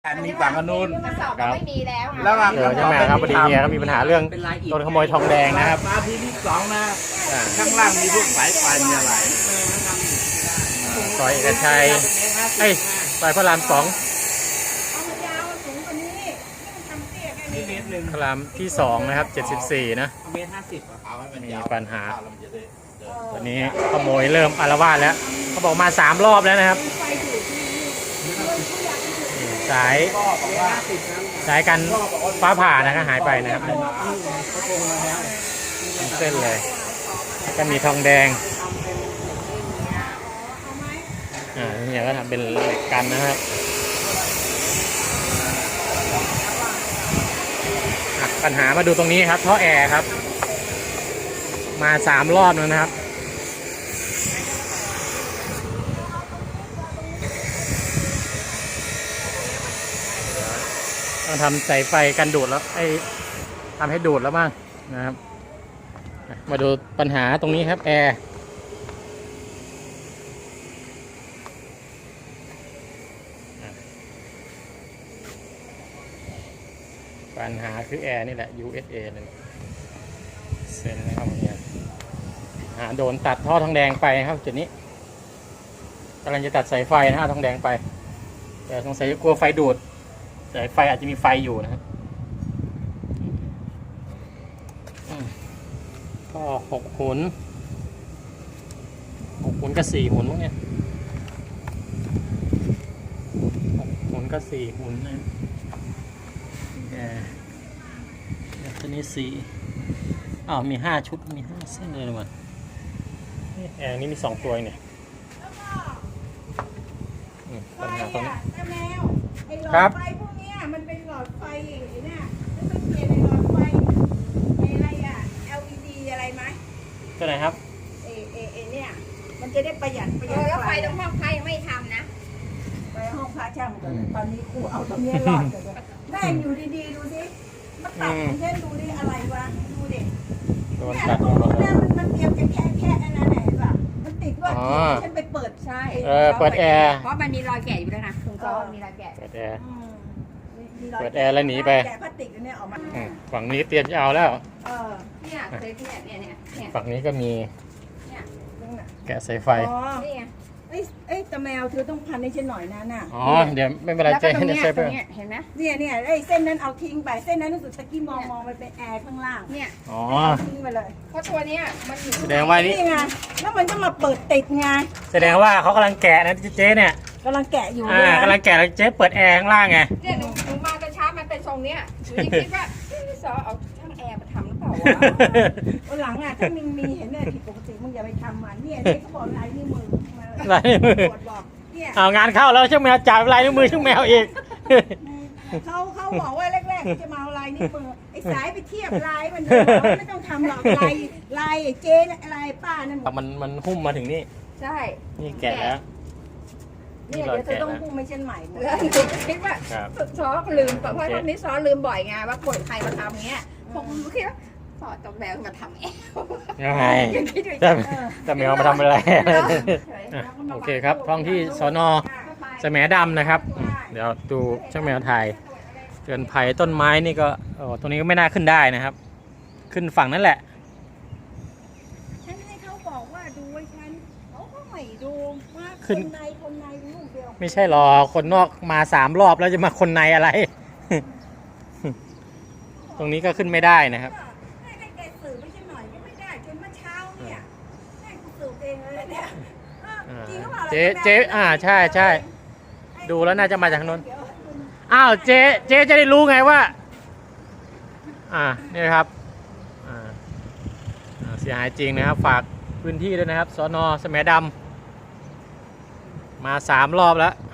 มีฝั่งอนุนกระสอบเราไม่มีแล้วแล้วก็ใช่ไหมครับพอดีเฮียก็มีปัญหาเรื่องโดนขโมยทองแดงนะครับมาที่ที่สองนะข้างล่างมีพวกสายไฟมีอะไรซอยเอกชัยซอยพระราม2 นี่เมตรหนึ่งพระรามที่2นะครับ74นะเมตร50เอาให้มันยาวมีปัญหา ตอนนี้ขโมยเริ่มอาละวาดแล้วเขาบอกมา3รอบแล้วนะครับสายกันฟ้าผ่านะครับหายไปนะครับทั้งเส้นเลยก็มีทองแดงเนี่ยก็ทำเป็นเหล็กกันนะครับปัญหามาดูตรงนี้ครับท่อแอร์ครับมา3รอบแล้วนะครับต้องทำสายไฟกันดูดแล้วทำให้ดูดแล้วบ้างนะครับมาดูปัญหาตรงนี้ครับแอร์ปัญหาคือแอร์นี่แหละ USA เลยเส้นนะครับเนี่ยโดนตัดท่อทองแดงไปครับจุดนี้กำลังจะตัดสายไฟนะฮะทองแดงไปแต่สงสัยกลัวไฟดูดสายไฟอาจจะมีไฟอยู่นะครับก็6 หุนกับ4 หุนมั้งเนี่ย6 หุนกับ4 หุนนะตัวนี้4มี5 ชุดมี5 เส้นเลยมันแอร์นี่มี2 ตัวเนี่ยปัญหาตรงนี้ครับไฟพวกนี้มันเป็นหลอดไฟอย่างนี้เนี่ยแล้วต้องเปลี่ยนในหลอดไฟอะไรอ่ะ LED อะไรไหมตัวไหนครับเนี่ยมันจะได้ประหยัดแล้วไฟตรงห้องไฟยังไม่ทำนะไปห้องพระช่างตอนนี้ครูเอาตรงนี้หลอดเลยแม่อยู่ดีๆดูสิมาตัดเช่นดูดิอะไรวะดูดิเนี่ยตรงนู้นเนี่ยมันเตรียมจะแค่อันนั้นไหนป่ะมันติดว่าฉันไปเปิดใช่เปิดแอร์เพราะมันมีรอยแกะอยู่ด้วยนะตรงโต๊ะมีรอยแกะเปิดแอร์แล้วหนีไปแกะพลาสติกเนี่ยออกมาฝั่งนี้เตรียมจะเอาแล้วเนี่ยเซฟเนี่ยฝั่งนี้ก็มีแกะสายไฟนี่ไงตะแมวเธอต้องพันให้ฉันหน่อยนะน่ะเดี๋ยวไม่เป็นไรเจ๊ให้เซฟไปเห็นไหมเนี่ยเส้นนั้นเอาทิ้งไปเส้นนั้นรู้สึกตะกี้มองมันเป็นแอร์ข้างล่างเนี่ยทิ้งไปเลยเพราะตัวนี้มันอยู่แสดงว่านี่ไงแล้วมันจะมาเปิดติดไงแสดงว่าเขากำลังแกะนะเจ๊เนี่ยกำลังแกะอยู่กำลังแกะแล้วเจ๊เปิดแอร์ข้างล่างไงเนี่ยหนูมาแต่เช้ามันเป็นทรงเนี้ยหนูคิดว่าซอเอาช่างแอร์มาทำหรือเปล่าวะวันหลังถ้ามีเห็นเนี่ยผิดปกติมึงอย่าไปทำมันเนี่ยเขาบอกลายนิ้วมือลายนิ้วมือเอางานเข้าแล้วช่างแมวจ่ายลายนิ้วมือช่างแมวอีกเขาบอกว่าแรกๆจะมาเอาลายนิ้วมือไอ้สายไปเทียบลายมันไม่ต้องทำหรอกลายเจ๊ลายป้านั่นมันหุ้มมาถึงนี่ใช่นี่แกะแล้วเนี่ยเดี๋ยวจะต้องหุ้มไม่เช่นใหม่แล้วหนูคิดว่าซ้อลืมเพราะตอนนี้ซ้อลืมบ่อยไงว่าคนใครมาทำเงี้ยผมคิดว่าสอดตัวแมวมาทำเองยังไงแต่แมวมาทำอะไรโอเคครับท้องที่สน.แสมดำนะครับเดี๋ยวดูช่างแมวไทยเตือนภัยต้นไม้นี่ก็ตรงนี้ก็ไม่น่าขึ้นได้นะครับขึ้นฝั่งนั่นแหละฉันให้เขาบอกว่าดูไว้ฉันเขาก็ไม่ดูว่าคนในลูกเดียวไม่ใช่หรอคนนอกมา3 รอบแล้วจะมาคนในอะไรตรงนี้ก็ขึ้นไม่ได้นะครับเจ๊ใช่ดูแล้วน่าจะมาจากทางโน้นเจ๊จะได้รู้ไงว่านี่ครับเสียหายจริงนะครับฝากพื้นที่ด้วยนะครับสน.แสมดำมา3 รอบแล้ว